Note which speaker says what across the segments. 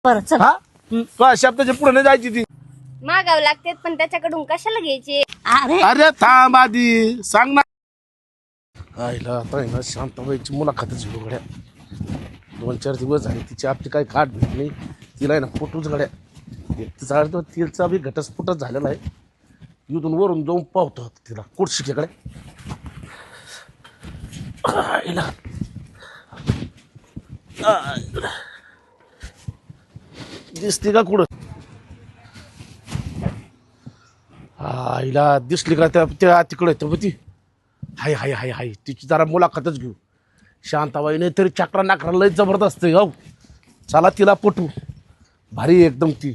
Speaker 1: बरं चल.
Speaker 2: हा तो शब्दाच्या पुढे नाही जायची ती.
Speaker 3: मागावं लागते पण त्याच्याकडून कशाला घ्यायचे.
Speaker 1: अरे
Speaker 2: अरे थांब आधी सांग ना. आईला आता आहे ना शांताबाईची मुलाखतच घेऊ गड्या. 2-4 दिवस झाले तिची आपली काही काट भेट नाही. तिला आहे ना फोटोच गड्या. तिचा तिचा बी घटस्फोटच झालेला आहे. इथून वरून जाऊन पाहतो तिला कुठशिकेकडे. आईला दिसते का कुठं. आईला दिसली का त्या तिकडे तर ती हाय हाय हाय हाय तिची जरा मुलाखतच घेऊ. शांताबाई नाही तरी चक्रा नाकरा लय जबरदस्त आहे. हो चला तिला पटू. भारी एकदम ती.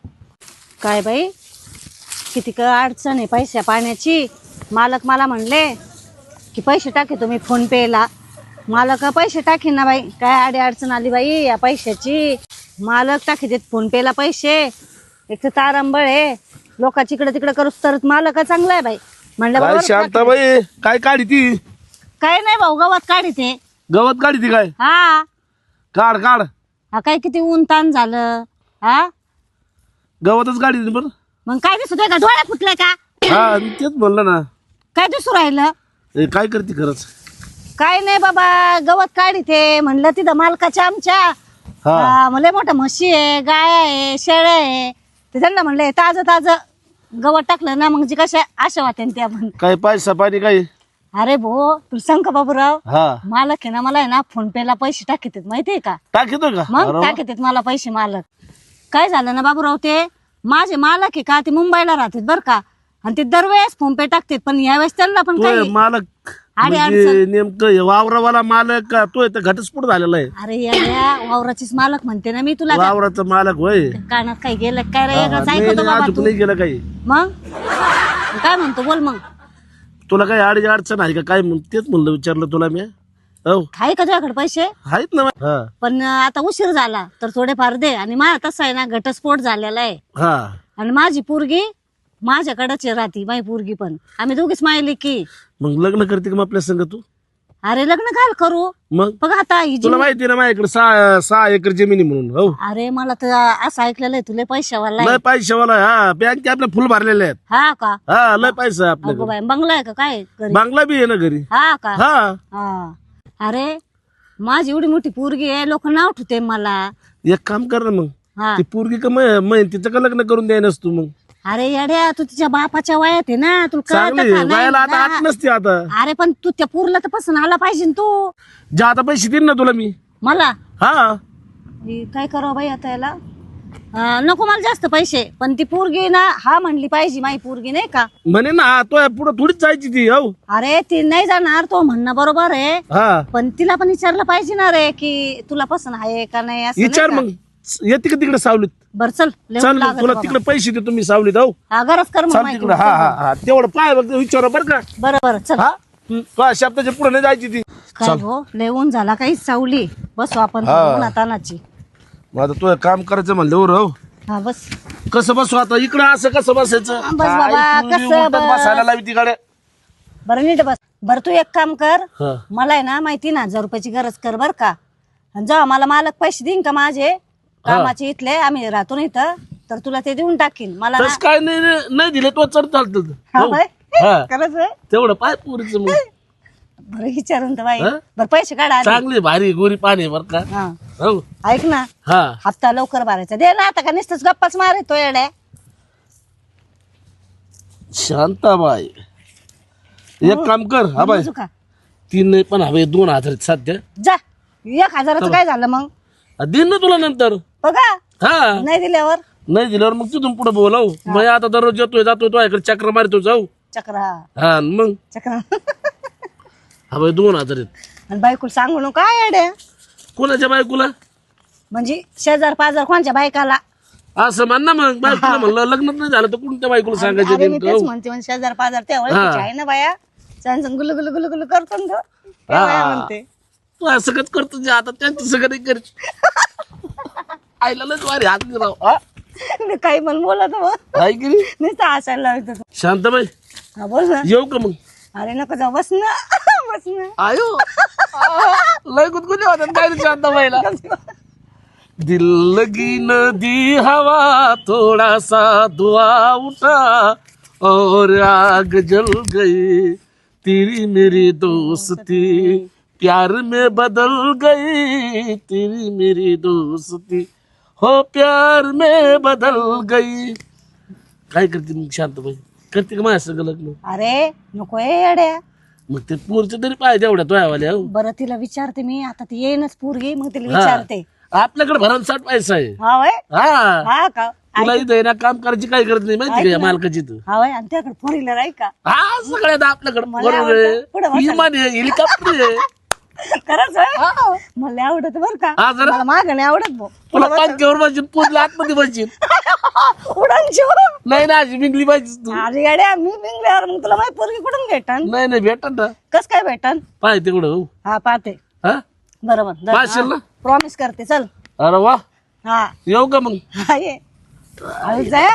Speaker 1: काय बाई किती अडचण आहे पैशा पाण्याची. मालक मला म्हणले की पैसे टाके तुम्ही फोन पेला. मालक पैसे टाकीन ना बाई. काय आडी अडचण आली बाई या पैशाची. मालक टाकी देत फोन पेला पैसे. एक तर तारंबळ आहे लोकांची इकडे तिकडे करूच तर मालक चांगला आहे बाई म्हणलं.
Speaker 2: काय
Speaker 1: बरोबर
Speaker 2: शांताबाई काय काढी ती.
Speaker 1: काय नाही भाऊ गवत काढी ते.
Speaker 2: गवत काढी ती काय.
Speaker 1: हा
Speaker 2: काढ काढ.
Speaker 1: हा काय किती ऊन ताण झालं. हा
Speaker 2: गवतच काढी ती बरं.
Speaker 1: मग काय दिसतोय का डोळ्या फुटले का.
Speaker 2: हा मी तेच म्हणलं ना.
Speaker 1: काय दिसू राहिलं.
Speaker 2: हे काय करते खरंच.
Speaker 1: काय नाही बाबा गवत काढी ते म्हणलं तिथं मालकाच्या आमच्या मला मोठ्या म्हशी आहे गाय आहे शेळ्या आहे. ते त्यांना म्हणलं ताजं ताजं गवत टाकलं ना मग जी कशा आशा वाटे ते आपण.
Speaker 2: काय पैसा पाणी काय.
Speaker 1: अरे भो तुला सांग का बाबूराव
Speaker 2: हा
Speaker 1: मालक आहे ना मला आहे ना फोन पेला पैसे टाकीत माहितीये का.
Speaker 2: टाकीतो का.
Speaker 1: मग टाकीत मला पैसे मालक. काय झालं ना बाबूराव ते माझे मालक आहे का ते मुंबईला राहतात बरं का. आणि ते दरवेळेस फोन पे टाकतात पण यावेळेस त्यांना पण काही
Speaker 2: मालक
Speaker 1: आडी
Speaker 2: म्हणजे नेमकं वावरावाला मालक का तो इथं घटस्फोट झालेला आहे.
Speaker 1: अरे या वावराचीच मालक म्हणते ना मी तुला.
Speaker 2: वावराचा मालक होय.
Speaker 1: कानात काही गेलं काय रे वेगळंच
Speaker 2: नाही,
Speaker 1: ऐकतो
Speaker 2: नाही,
Speaker 1: बाबा
Speaker 2: अजून
Speaker 1: तू.
Speaker 2: नाही गेलं काही.
Speaker 1: मग काय म्हणतो बोल मग.
Speaker 2: तुला काही अडचण आहे का काय तेच म्हणलं विचारलं तुला मी. हो
Speaker 1: आहे का तुझ्याकडे पैसे.
Speaker 2: आहेत ना. हा
Speaker 1: पण आता उशीर झाला तर थोडेफार दे. आणि माझा तसा आहे ना घटस्फोट झालेला आहे.
Speaker 2: हा
Speaker 1: आणि माझी पोरगी माझ्याकडेच राहती. माझी पोरगी पण आम्ही दोघीच मायली की.
Speaker 2: मग लग्न करते का मग आपल्या संग तू.
Speaker 1: अरे लग्न काय करू.
Speaker 2: मग
Speaker 1: बघ आता ही
Speaker 2: तुला माहिती ना माझ्याकडे 6 एकर जमिनी म्हणून. हो
Speaker 1: अरे मला तर असं ऐकलेलं आहे तुला पैशावाला आहे.
Speaker 2: लय पैशावाला. हा बँक आपल्या फुल भरलेले आहेत.
Speaker 1: हा का.
Speaker 2: हा लय पैसा आहे
Speaker 1: अगो
Speaker 2: आपल्याकडे.
Speaker 1: बाई बंगला आहे का काय घरी.
Speaker 2: बांगला बी आहे ना घरी.
Speaker 1: हा का.
Speaker 2: हा
Speaker 1: हा अरे माझी एवढी मोठी पोरगी आहे लोक नाव ठेवते मला.
Speaker 2: एक काम कर ना मग.
Speaker 1: हा
Speaker 2: ती पोरगी का मग तिचं का लग्न करून द्यायनस तू. मग
Speaker 1: अरे येड्या तू तिच्या बापाच्या वयात आहे ना तुला कळतं
Speaker 2: चांगली
Speaker 1: का नाही
Speaker 2: वयाला आता
Speaker 1: ना?
Speaker 2: आठ नसते आता.
Speaker 1: अरे पण तू त्या पोरला तर पसंत आला पाहिजे ना तू.
Speaker 2: जे आता पैसे देईन ना तुला मी.
Speaker 1: मला
Speaker 2: हा
Speaker 1: काय करावं बाई आता याला. नको मला जास्त पैसे पण ती पोरगी ना हा म्हणली पाहिजे माझी पोरगी नाही का.
Speaker 2: म्हणे ना तो पुढे थोडीच जायची ती. हो
Speaker 1: अरे ती नाही जाणार तो म्हणणं बरोबर आहे.
Speaker 2: हा
Speaker 1: पण तिला पण विचारलं पाहिजे ना रे की तुला पसंत आहे का नाही असं नाही
Speaker 2: विचार
Speaker 1: का?
Speaker 2: मग. येते का तिकडे सावलीत.
Speaker 1: बरं चल लय
Speaker 2: चल
Speaker 1: ऊन
Speaker 2: मग
Speaker 1: लागलं
Speaker 2: तुला
Speaker 1: बाबा.
Speaker 2: तिकडे पैसे देतो मी सावलीत. हो
Speaker 1: हा गरज कर मग
Speaker 2: चाल
Speaker 1: माहिती
Speaker 2: तिकडे. हा हा हा तेवढं पाय बघ विचार बरं का.
Speaker 1: बरं बरं चल.
Speaker 2: हा तो शब्दाच्या पुढे नाही जायची ती.
Speaker 1: काय हो लय ऊन झाला काही सावली बसू आपण
Speaker 2: हा.
Speaker 1: उन्हातानाची.
Speaker 2: मग आता तुला काम करायचं म्हणल्यावर. हो
Speaker 1: हा बस
Speaker 2: कसं बसू आता इकडं असं कसं बसायचं.
Speaker 1: बस बाबा,
Speaker 2: काय तू
Speaker 1: कसं
Speaker 2: उलटच
Speaker 1: बस?
Speaker 2: बसायला लावी तिकडे.
Speaker 1: बरं नीट बस. बरं तू एक काम कर
Speaker 2: हा
Speaker 1: मला आहे ना माहिती ना 1000 रुपयाची गरज कर बर का. आणि जेव्हा मला मालक पैसे देईन का माझे कामाचे इथले आम्ही राहतो ना इथं तर तुला ते देऊन टाकीन मला ना.
Speaker 2: तस काय नाही दिले तो चढ चालत.
Speaker 1: हा बाई?
Speaker 2: हा
Speaker 1: खरंच आहे?
Speaker 2: तेवढं पाय पुरीचं मग.
Speaker 1: बरं विचारून तर बाई.
Speaker 2: हा?
Speaker 1: बरं पैसे काढा आधी.
Speaker 2: चांगली भारी गोरी पाणी बर का.
Speaker 1: हा
Speaker 2: हो
Speaker 1: ऐक ना
Speaker 2: हा
Speaker 1: हप्ता लवकर भरायचा दे ना आता का नुसतंच गप्पाच मारे तो येड्या.
Speaker 2: शांताबाई एक काम कर. हा बाई
Speaker 1: समजू का?
Speaker 2: 3 नाही पण हवे 2000 आहेत सध्या.
Speaker 1: जा 1000चं काय झालं मग
Speaker 2: दिन ना तुला नंतर.
Speaker 1: बघा
Speaker 2: हा
Speaker 1: नाही दिल्यावर
Speaker 2: नाही दिल्यावर मग तिथून पुढे बोलाव. मग आता दररोज येतोय जातोय तो इकडे चक्र मारतो जाऊ.
Speaker 1: चक्र
Speaker 2: हा मग
Speaker 1: चक्र.
Speaker 2: हा बाई 2000 आहेत.
Speaker 1: आणि बायकोला सांगू नको काय येड्या.
Speaker 2: कोणाच्या बायकोला.
Speaker 1: म्हणजे शेजार पाजार कोणच्या बायकाला.
Speaker 2: असं म्हण ना मग. बायकोला म्हणलं लग्नच नाही झालं तर कोणत्या बायकोला सांगायचं
Speaker 1: अरे मी तेच
Speaker 2: नेमकं.
Speaker 1: म्हणते म्हणजे शेजार पाजार त्या ओळखीचे आहे ना बाया. सांग गुलू गुलू गुलू गुलू करतो ना तो. त्या बाया म्हणते
Speaker 2: तू असं सगळंच करतो जे आता त्यांचं सगळं नाही करत. आईला लच वारी हात नाही राव. हा?
Speaker 1: मी काही पण बोलत मग
Speaker 2: आहे की नाही?
Speaker 1: नुसतं हसायला लावतो.
Speaker 2: शांताबाई
Speaker 1: हा बोल ना.
Speaker 2: येऊ का मग.
Speaker 1: अरे नको जाऊ बस ना बस ना.
Speaker 2: आयो लय गुदगुले होतात काय रे शांताबाईला. दिल लगी नदी हवा थोड़ा सा धुआं उठा और आग जल गई तेरी मेरी दोस्ती प्यार में बदल गई तेरी मेरी दोस्ती हो प्यार में बदल गई. काय करते मग शांताबाई? करते का माझ्या सगळं लग्न?
Speaker 1: अरे नको येड्या.
Speaker 2: मग ते पोरचं तरी पाहिजे एवढ्या तोयावाल्या.
Speaker 1: बरं तिला विचारते मी आता, ती येईनच पोरगी, मग तिला विचारते.
Speaker 2: आपल्याकडे भरमसाठ पैसा आहे.
Speaker 1: हा वय.
Speaker 2: हा
Speaker 1: हा का?
Speaker 2: तुला इथं आहे ना काम करायची काय गरज नाही माहिती का या मालकाची तू.
Speaker 1: हा वय. आणि त्याकडे फोर व्हीलर आहे का?
Speaker 2: हा सगळ्यात आपल्याकडे
Speaker 1: मला
Speaker 2: बरोबर
Speaker 1: आवडतं. पुढं
Speaker 2: आहे.
Speaker 1: बसायला.
Speaker 2: विमान आहे हेलिकॉप्टर आहे.
Speaker 1: खरंच होय? मला आवडत बर का.
Speaker 2: हा जरा
Speaker 1: मला माग नाही आवडत भाऊ.
Speaker 2: तुला पालखीवर बसशील पूर्ण आतमध्ये बसशील.
Speaker 1: उडान शिव.
Speaker 2: नाही ना अशी बिंगली पाहिजे तू.
Speaker 1: अरे गाड्या मी बिंगल्यावर मग तुला माझी पोरगी कुठून भेटन?
Speaker 2: नाही नाही भेटन ना
Speaker 1: कस काय भेटन?
Speaker 2: पाय तिकडं हो.
Speaker 1: हा पाहते.
Speaker 2: हा
Speaker 1: बरोबर
Speaker 2: पाहशील ना?
Speaker 1: प्रॉमिस करते. चल.
Speaker 2: अरे वा
Speaker 1: हा
Speaker 2: येऊ का मग?
Speaker 1: हा ये. जाय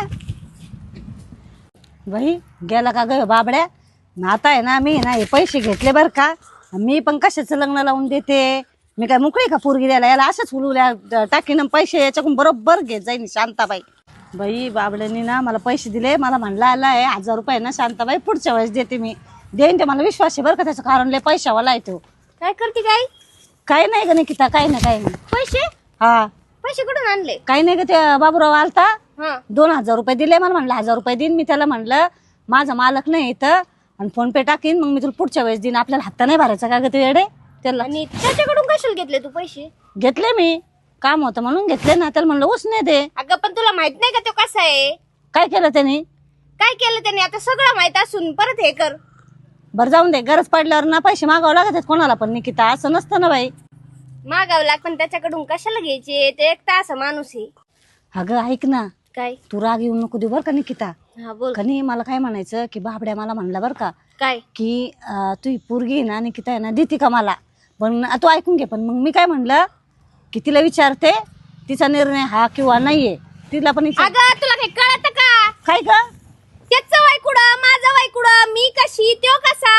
Speaker 1: बाई. गेला का ग बाबड्या? आता आहे ना मी ना हे पैसे घेतले बर का. मी पण कशाचं लग्न लावून देते? मी काय मोकळी का पोरगी द्यायला? याला असंच फुलवल्या टाकीन पैसे याच्याकडून बरोबर घेत जाईन शांताबाई. बाई बाबड्यानी ना मला पैसे दिले. मला म्हणला आलाय 1000 रुपये ना शांताबाई पुढच्या वेळेस देते मी. देईन ते मला विश्वास आहे बरं का. त्याचं कारण लय पैशावाला येतो.
Speaker 3: काय करते काय?
Speaker 1: काही नाही ग निकिता, काही नाही काही नाही.
Speaker 3: पैसे
Speaker 1: हा
Speaker 3: पैसे कुठून आणले?
Speaker 1: काही नाही ग. ते बाबूराव आलता,
Speaker 3: हा
Speaker 1: 2000 रुपये दिले. मला म्हणलं 1000 रुपये देईन. मी त्याला म्हणलं माझा मालक नाही इथं आणि फोन पे टाकीन, मग मी तुला पुढच्या वेळेस देईन. आपल्याला हप्ता नाही भरायचा का ग ते येडे? त्याला
Speaker 3: आणि त्याच्याकडून कशाला घेतले तू पैसे?
Speaker 1: घेतले मी. काम होतं म्हणून घेतले ना. त्याला म्हणलं उसने दे.
Speaker 3: अगं पण तुला माहित नाही का तो कसा आहे?
Speaker 1: काय केलं त्याने?
Speaker 3: काय केलं त्याने? आता सगळं माहित असून परत हे कर.
Speaker 1: बरं जाऊन दे. गरज पडल्यावर ना पैसे मागावं लागत आहेत कोणाला पण निकिता. असं नसतं ना बाई.
Speaker 3: मागावं लाग पण त्याच्याकडून कशाला घ्यायचे? ते एक तर असा माणूस आहे.
Speaker 1: अगं ऐक ना,
Speaker 3: काय?
Speaker 1: तू राग येऊ नको देऊ बरं का निकिता.
Speaker 3: हा बोल.
Speaker 1: कनी मला काय म्हणायचं की बाबड्या मला म्हणला बरं का
Speaker 3: काय?
Speaker 1: की तू ही पोरगी आहे ना निकिता आहे ना देते का मला. पण तू ऐकून घे. पण मग मी काय म्हणलं की तिला विचारते तिचा निर्णय हा किंवा नाहीये. तिला पण
Speaker 3: अगं तुला काही कळत का?
Speaker 1: काय का?
Speaker 3: त्याचं वय कुठं, माझं वय कुठं, मी कशी, तो कसा,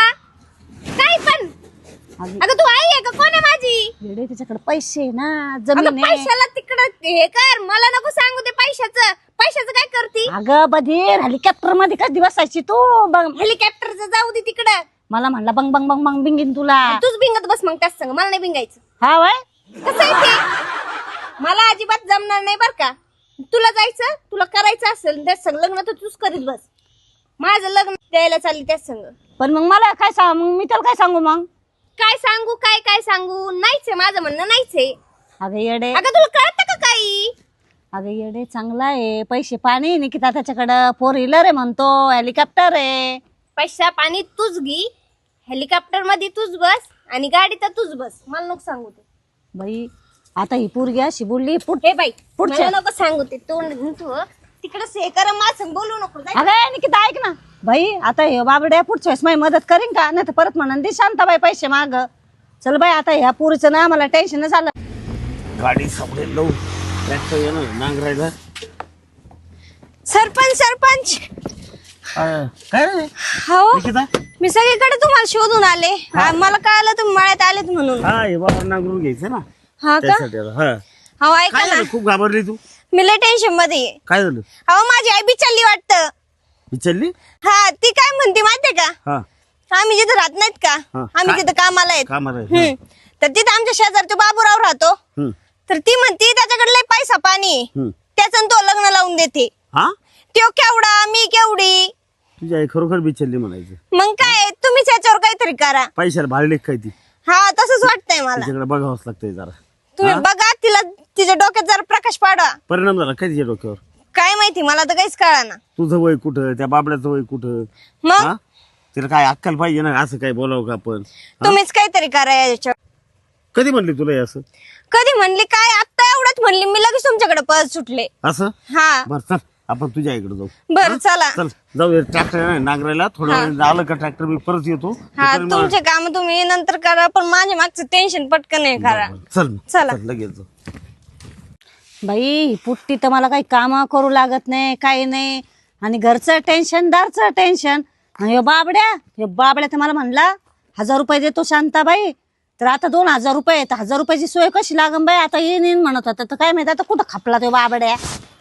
Speaker 3: काय पण. अगं तू आई आहे का? कोण आहे माझी?
Speaker 1: येडे त्याच्याकडे पैसे आहे ना,
Speaker 3: अगं
Speaker 1: जमीन आहे.
Speaker 3: पैशाला तिकडं हे कर. मला नको सांगू ते पैशाचं. पैशाचं काय करती?
Speaker 1: अगं बधीर हेलिकॉप्टर मध्ये कधी बसायची तू? बघ
Speaker 3: हेलिकॉप्टरचं जाऊ दे तिकडं.
Speaker 1: मला म्हणला बंग बंग बंग बंग बिंगीन तुला.
Speaker 3: तूच भिंगत बस मग त्याच संग. मला नाही भिंगायचं.
Speaker 1: हा वय.
Speaker 3: कसं आहे ते? मला अजिबात जमणार नाही बर का. तुला जायचं, तुला करायचं असेल त्याच संग लग्न तर तूच करीत बस. माझं लग्न द्यायला चालली त्याच संग.
Speaker 1: पण मग मला काय सांग, मग मी त्याला काय सांगू मग?
Speaker 3: काय सांगू? काय सांगू? नाहीच आहे माझं म्हणणं. नाहीच आहे.
Speaker 1: अगं येडे.
Speaker 3: अगं तुला कळतं का काही?
Speaker 1: अगं येडे चांगला आहे. पैसे पाणी निकिता त्याच्याकडं. 4 व्हीलर आहे म्हणतो, हेलिकॉप्टर आहे.
Speaker 3: पैसा पाणी तूच घे. हेलिकॉप्टर मध्ये तूच बस आणि गाडी तर तूच बस. मला नको सांगू ते.
Speaker 1: बाई आता ही पोरगी अशी बोलली
Speaker 3: हे बाई
Speaker 1: पुढच्या-
Speaker 3: मला नको सांगू ते. तोंड तिकडे हे कर. माझं बोलू नको. जाय.
Speaker 1: अगं निकिता ऐक ना बाई. आता हे बाबड्या पुढच्या वेळेस माझी मदत करीन का? नाही तर परत म्हणून दे शांताबाई पैसे माग. चल बाई आता ह्या पोरीचं ना मला टेन्शन झालं.
Speaker 2: गाडी सापडेल लव ट्रॅक्टर येणार नांगरायला.
Speaker 3: सरपंच
Speaker 2: काय रे
Speaker 3: हो
Speaker 2: निकिता?
Speaker 3: मी सगळीकडे तुम्हाला शोधून आले. मला कळालं तुम्ही मळ्यात आलेत म्हणून.
Speaker 2: हा हे बाबा नांगरून घ्यायचं ना
Speaker 3: हा का?
Speaker 2: त्यासाठी आता. हा
Speaker 3: हो ऐका
Speaker 2: काय
Speaker 3: ना,
Speaker 2: झालं? खूप घाबरली तू?
Speaker 3: मी लय टेन्शन मध्ये आहे.
Speaker 2: काय झालं?
Speaker 3: अहो माझी आई बिचारली वाटतं.
Speaker 2: विचारली?
Speaker 3: हा ती काय म्हणते माहितीये का?
Speaker 2: हा
Speaker 3: आम्ही जिथे राहत नाहीत का,
Speaker 2: हा.
Speaker 3: आम्ही तिथे कामाला आहेत.
Speaker 2: कामाला आहे.
Speaker 3: हम्म. तर तिथे आमच्या शेजारी तो बाबूराव राहतो.
Speaker 2: हम्म.
Speaker 3: तर ती म्हणती त्याच्याकडे लय पैसा पाणी आहे.
Speaker 2: हम्म.
Speaker 3: त्याचं तो लग्न लावून देते.
Speaker 2: हा
Speaker 3: तो केवढा मी केवढी.
Speaker 2: तुझी आई खरोखर बिचारली म्हणायचं.
Speaker 3: मग काय तुम्हीच याच्यावर काहीतरी करा.
Speaker 2: पैशाला भाडली काय ती?
Speaker 3: हा तसंच वाटतंय मला.
Speaker 2: तिच्याकडे बघावंच लागतंय जरा.
Speaker 3: तुम्ही बघा तिला, तिच्या डोक्यात जरा प्रकाश पाडा.
Speaker 2: परिणाम झाला काय तिच्या डोक्यावर?
Speaker 3: काय माहिती मला तर काहीच कळाना.
Speaker 2: तुझं वय कुठं, त्या बाबड्याचं वय कुठं?
Speaker 3: मग
Speaker 2: हा तिला काय अक्कल पाहिजे ना. असं काय बोलावं का आपण?
Speaker 3: तुम्हीच काहीतरी करा याच्यावर.
Speaker 2: कधी म्हणली तुला हे असं?
Speaker 3: कधी म्हणली काय? आता एवढंच म्हणली मी लगेच तुमच्याकडे पळत सुटले.
Speaker 2: असं?
Speaker 3: हा
Speaker 2: बर चल आपण तुझ्या आईकडे जाऊ.
Speaker 3: बर चला.
Speaker 2: चल जाऊ. ट्रॅक्टर नांगरायला थोडं वेळ आलं का ट्रॅक्टर मी परत येतो.
Speaker 3: हा
Speaker 2: तोपर्यंत मला-
Speaker 3: तुमचे काम तुम्ही नंतर करा, पण माझ्या मागचं टेन्शन पटकन नाही करा.
Speaker 2: चल
Speaker 3: चला.
Speaker 2: चल लगेच जाऊ.
Speaker 1: बाई ही पुट्टी तर मला काही काम करू लागत नाही, काही नाही. आणि घरचं टेन्शन, दारचं टेन्शन. आणि ह्यो बाबड्या तर मला म्हणला 1000 रुपये देतो शांताबाई तर आता 2000 रुपये आहेत. 1000 रुपयाची सोय कशी लागन बाई? आता येईन म्हणत होता तर काय माहिती आता कुठं खपला तो बाबड्या.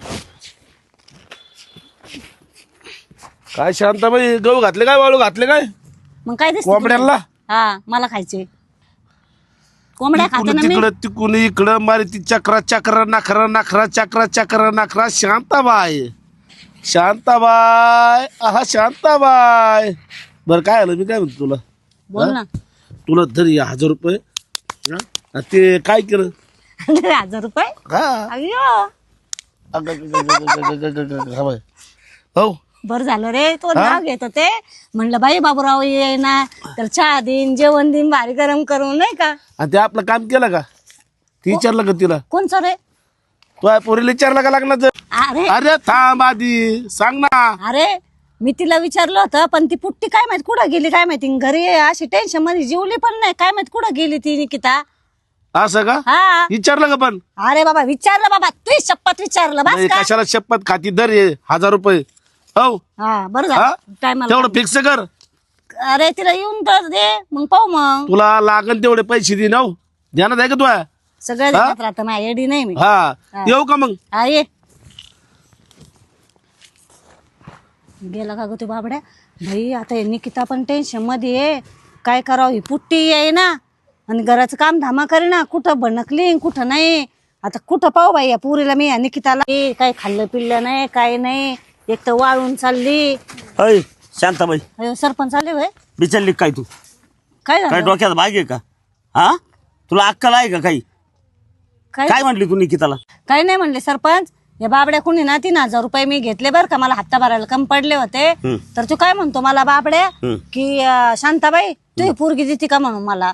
Speaker 2: काय शांताबाई, गहू घातले काय, वाळू घातले काय
Speaker 1: मग काय दिसत
Speaker 2: कोंबड्याला?
Speaker 1: हा मला खायचे कोंबड्या खाते ना मी.
Speaker 2: तिकडं तिकून इकडं मारी ती चक्रा चक्र नखरा नखरा चक्रा चक्र नखरा. शांताबाई शांताबाई आहा शांताबाई. बरं काय आलं, मी काय म्हणतो तुला,
Speaker 1: बोल ना.
Speaker 2: तुला तरी 1000 रुपये हा? आणि ते काय केलं
Speaker 1: 1000 रुपये
Speaker 2: हा
Speaker 1: अय्यो
Speaker 2: हो
Speaker 1: बरं झालं रे तो नाव घेत होते. म्हणलं बाई बाबूराव ये ना तर चहा देईन जेवण देईन भारी गरम करून नाही का.
Speaker 2: आणि ते आपलं काम केलं का? ती विचारलं का तिला?
Speaker 1: कोणचं रे?
Speaker 2: तो पोरीला विचारलं का लग्नाचं?
Speaker 1: अरे
Speaker 2: अरे थांब आधी सांग ना.
Speaker 1: अरे मी तिला विचारलं होतं पण ती पुट्टी काय माहित कुठं गेली काय माहिती. घरी अशी टेन्शन मध्ये जेवली पण नाही काय माहित कुठं गेली ती निकिता.
Speaker 2: असं का?
Speaker 1: हा
Speaker 2: विचारलं का पण?
Speaker 1: अरे बाबा विचारलं बाबा तू शपथ विचारलं बस
Speaker 2: नाही,
Speaker 1: का.
Speaker 2: कशाला शपथ खाती दर हे 1000 रुपये हो.
Speaker 1: हा बरं
Speaker 2: हा?
Speaker 1: झालं टायमाला.
Speaker 2: तेवढं फिक्स कर.
Speaker 1: अरे तिला येऊन तर दे मग पाहू मग.
Speaker 2: तुला लागन तेवढे पैसे दे ना हो. ध्यानात आहे का तुला?
Speaker 1: सगळं देण्यात राहतं माझ्या एडी नाही मी.
Speaker 2: हा येऊ का मग?
Speaker 1: हा ये गेला का ग तू बाबड्या. भाई आता हे निकिता पण टेन्शन मध्ये आहे. काय करावं ही पुट्टी आहे ना आणि घराचं काम धामा करे ना. कुठं भणकली कुठं नाही. आता कुठं पाहू बाई या पुरीला मी या निकिताला. काय खाल्लं पिल्लं नाही काय नाही. एक तर वाळून चालली.
Speaker 4: अय शांताबाई,
Speaker 1: अयो, सरपंच आले होय.
Speaker 4: बिचारली काय तू?
Speaker 1: काय
Speaker 4: काय
Speaker 1: झालं
Speaker 4: डोक्यात भाग आहे का? हा तुला अक्कल आहे का काही?
Speaker 1: काय
Speaker 4: काय म्हटली तू निकिताला?
Speaker 1: काय नाही म्हणले सरपंच. या बाबड्या कुणी ना 3000 रुपये मी घेतले बरं का. मला हप्ता भरायला कम पडले होते. तर तू काय म्हणतो मला बाबड्या की शांताबाई तू ही पोरगी देते का म्हणून मला.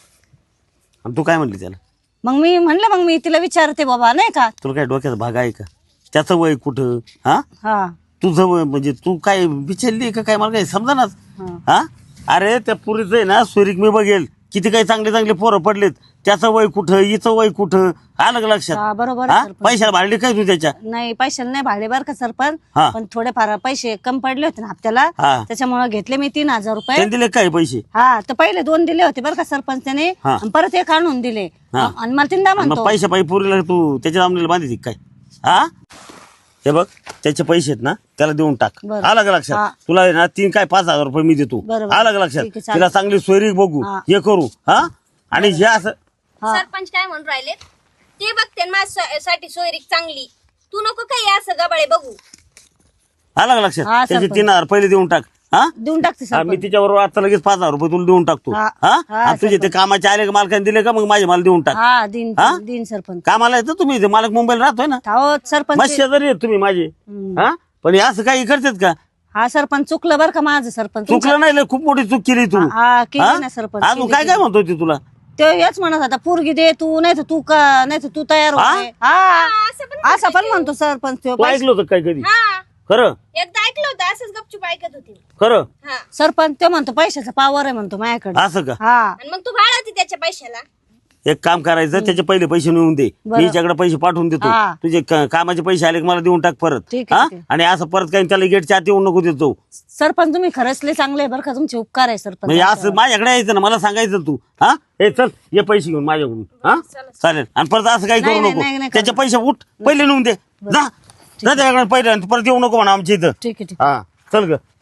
Speaker 4: आणि तू काय म्हटली त्याला?
Speaker 1: मग मी म्हणलं मग मी तिला विचारते बाबा नाही का.
Speaker 4: तुला काय डोक्यात भाग आहे का? त्याचं वय कुठं? हा
Speaker 1: हा
Speaker 4: तुझं वय म्हणजे तू काय बिचारली का काय? मला काही समजानाच. हा अरे त्या पुरीचं आहे ना सोयरीक मी बघेल. किती काही चांगले चांगले पोरं पडलेत. त्याचं वय कुठं हिचं वय कुठं आलं का लक्षात?
Speaker 1: हा, बरोबर
Speaker 4: हा?
Speaker 1: आहे सरपंच.
Speaker 4: पैशाला भाडली काय तू त्याच्या?
Speaker 1: नाही पैशाला नाही भाडे बरं का सरपंच.
Speaker 4: हा.
Speaker 1: पण थोडेफार पैसे कम पडले होते ना हप्त्याला.
Speaker 4: हा.
Speaker 1: त्याच्यामुळे घेतले मी 3000 रुपये.
Speaker 4: त्यांनी दिले काय पैसे?
Speaker 1: हा तर पहिले 2 दिले होते बरं का सरपंच त्याने.
Speaker 4: हा.
Speaker 1: आणि परत 1 आणून दिले.
Speaker 4: हा.
Speaker 1: आणि मला तीनदा
Speaker 4: मग
Speaker 1: म्हणतो
Speaker 4: पैशा पायी पुरीला तू त्याच्या जमिनीला बांधली काय? हा हे बघ त्याचे पैसे आहेत ना त्याला देऊन टाक.
Speaker 1: बरं.
Speaker 4: आलं का
Speaker 1: हा.
Speaker 4: लक्षात? तुला आहे ना 3 काय 5000 रुपये मी देतो.
Speaker 1: बरोबर.
Speaker 4: आलं का लक्षात?
Speaker 1: ठीक आहे, चालेल.
Speaker 4: तिला चांगली सोयरीक बघू
Speaker 1: हा.
Speaker 4: हे करू. हा आणि हे असं
Speaker 1: हा.
Speaker 3: सरपंच काय म्हणून राहिले ते बघते माझ्यासाठी सोयरीक चांगली. तू नको काही असं गबाळे बघू.
Speaker 4: आलं का लक्षात?
Speaker 1: हा,
Speaker 4: त्याचे
Speaker 1: सरपंच.
Speaker 4: 3000 पहिले देऊन टाक. हा
Speaker 1: देऊन टाकते
Speaker 4: हा, मी
Speaker 1: सरपंच.
Speaker 4: तिच्याबरोबर आता लगेच 5000 रुपये तुला देऊन टाकतो.
Speaker 1: हा.
Speaker 4: हा
Speaker 1: हा,
Speaker 4: आणि तुझे ते
Speaker 1: सरपंच.
Speaker 4: कामाचे आले का मालकाने दिले का मग माझे मला देऊन टाक.
Speaker 1: हा दिन
Speaker 4: हा?
Speaker 1: दिन सरपंच.
Speaker 4: कामाला येतं तुम्ही इथे मालक मुंबईला राहतोय ना.
Speaker 1: हो सरपंच.
Speaker 4: मस्त शेजारी आहेत तुम्ही माझे. हा पण हे असं काही करतात का?
Speaker 1: हा सरपंच चुकलं बरं का माझं सरपंच.
Speaker 4: चुकलं नाही लय खूप मोठी चूक केली तू.
Speaker 1: हा केली
Speaker 4: हा?
Speaker 1: ना सरपंच.
Speaker 4: अजून काय काय म्हणतो ती तुला?
Speaker 1: ते हेच म्हणत होता पोरगी दे तू नाही तर तू का नाही तर तू तयार
Speaker 4: हा?
Speaker 1: होते. हा
Speaker 3: असं
Speaker 1: असं पण म्हणतो सरपंच तो.
Speaker 4: तू ऐकलं होतं काय कधी?
Speaker 3: हा
Speaker 4: खरं
Speaker 3: एकदा ऐकलं होतं असंच गपचूप ऐकत होती.
Speaker 4: खरं
Speaker 3: हा
Speaker 1: सरपंच ते म्हणतो पैशाचा पावर आहे म्हणतो माझ्याकडे.
Speaker 4: असं का?
Speaker 1: हा
Speaker 3: आणि मग तू भाडवती त्याच्या पैशाला.
Speaker 4: एक काम करायचं त्याचे पहिले पैसे नेऊन दे.
Speaker 1: बरं.
Speaker 4: मी हिच्याकडे पैसे पाठवून देतो.
Speaker 1: हा.
Speaker 4: तुझे कामाचे पैसे आले की मला देऊन टाक परत.
Speaker 1: ठीक आहे,
Speaker 4: हा?
Speaker 1: ठीक आहे.
Speaker 4: आणि असं परत काही त्याला गेटच्या आत येऊन नको देतो.
Speaker 1: सरपंच तुम्ही खरंच लय चांगले आहे बरं का. तुमचे उपकार आहे सरपंच.
Speaker 4: म्हणजे असं माझ्याकडे यायचं ना मला सांगायचं तू. हा हे चल ये पैसे घेऊन माझ्याकडून. हा चालेल. आणि परत असं काही
Speaker 1: नाही,
Speaker 4: करू
Speaker 1: नाही,
Speaker 4: नको.
Speaker 1: नाही, नाही,
Speaker 4: त्याचे पैसे उठ पहिले नेऊन दे. जा त्याच्याकडे पहिले आणि परत येऊ नको म्हणा आमच्या इथं.
Speaker 1: ठीक आहे ठीक
Speaker 4: हा चल ग.